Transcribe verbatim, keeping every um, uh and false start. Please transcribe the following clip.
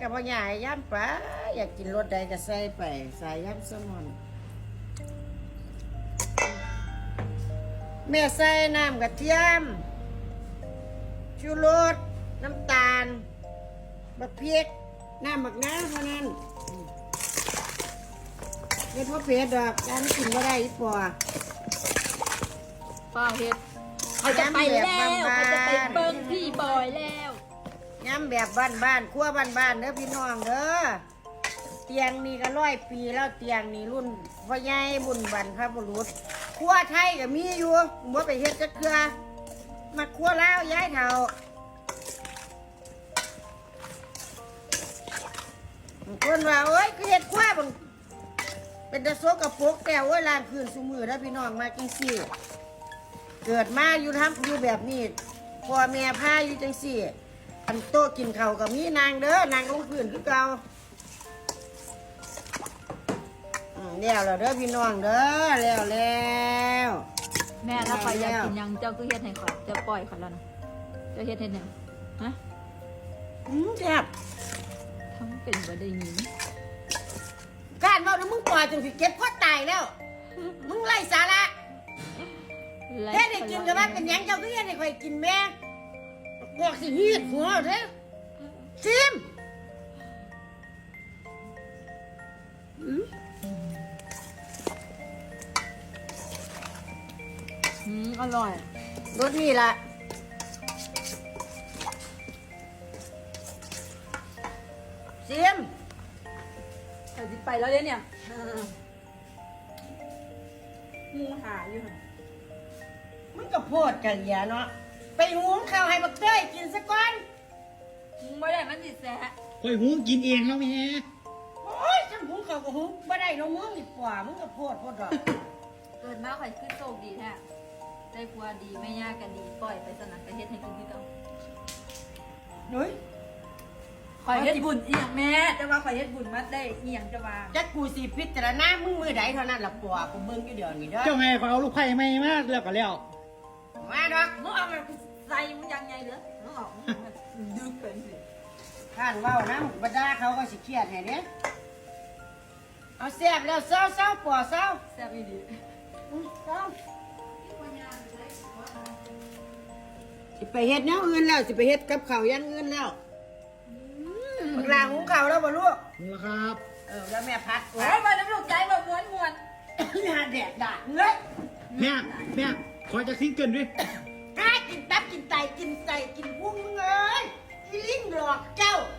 กับพ่อใหญ่ย่ำปลาอยากกินรสใดก็ใส่ไปใส่ย่ำแซลมอนแม่ใส่น้ำกระเทียมชูรสน้ำตาลบักพริกน้ำบักน้ำเท่านั้นไม่พอเผ็ดดอกการกินก็ได้อีปอป้าเฮ็ดเขาจะไปแล้วเขาจะไปเบิ้งพี่บอยแล้วย้ำแบบบ้านๆขั้วบ้านๆเด้อพี่น้องเด้อเตียงนี่ก็ร้อยปีแล้วเตียงนี่รุ่นพ่อใหญ่บุญบรรพบุรุษขั้วไทยก็มีอยู่บ่ไปเฮ็ดจักเทื่อมาขั้วแล้วย้ายเฒ่าคนว่าโอ๊ยคือเฮ็ดขั้วบังเป็นตะโซกระปกแต่ว่าล้างคืนซุมือแล้วพี่น้องมาจังซี่เกิดมาอยู่ทำอยู่แบบนี้พ่อแม่พาอยู่จังซี่อันโต๊ะกินข้าวกับมีนางเด้อนางลงพื้นคือเก่าแล้วแล้วเด้อพี่น้องเด้อแล้วแล้วแม่ถ้าข่อยอยากกินยังเจ้าก็เฮ็ดให้ข่อยจะปล่อยข่อยแล้วนะเจ้าเฮ็ดให้ยังฮะอืมแซ่บทั้งเป็นบ่ได้ยินการบอกนะมึงปล่อยจนสิเก็บข้อตายแล้วมึงไล่สาระเฮ็ดให้กินกับว่าเป็นยังเจ้าก็เฮ็ดให้ข่อยกินแม่บอกสิฮีดหัวเด้อซิมอืมอืมอร่อยรสนี่ล่ะซิมแต่สิไปแล้วเนี่ยงูหาอยู่ค่ะมึงก็โพดกันอย่าเนาะไปหุงข้าวให้บักเต้ยกินซะก่อนมึงไม่ได้มันสิแสะคอยหุงกินเองแล้วแม่โอ้ยฉันหุงข้าวก็หุงบ่ได้เนาะมึงดีกว่ามึงก็โพดโพดดอกเกิดมาข่อยคือโชคดีแท้ได้ผัวดีไม่ยากกันดีปล่อยไปสนับไปเฮ็ดให้กินที่ต้องเฮ้ยข่อยเฮ็ดบุญอีหยังแม่แต่ว่าข่อยเฮ็ดบุญมาได้อีหยังจะว่าจักกูสิพิจารณามึงมือใดเท่านั้นล่ะปัวกูเบิ่งอยู่เดี๋ยวนี้เด้อเจ้าแม่ขอเอาลูกไผ่ไม่มาแล้วก็แล้วมาดอกมึงเอามาใส่มึงยังไงเหรอมึงออกดึกเป็นสิท่านเว้านะบรรดาเขาก็สิเครียดให้เด้เอาแซ่บแล้วเศร้าๆปัวเศร้าแซ่บอีหลีเศร้าสิไปเฮ็ดแนวอื่นแล้วสิไปเฮ็ดกับข้าวอย่างอื่นแล้วบักลาหุงข้าวแล้วบ่ลูกหุงแล้วครับเออแล้วแม่พัดโอ้ยมาน้ำลูกใจแบบม้วนม้วนหาแดดด่าเงยแม่แม่ขอจะซิงเกิลด้วยกล้ากินตับกินไตกินไตกินพุงมึงเอ้ยอีลิงหลอกเจ้า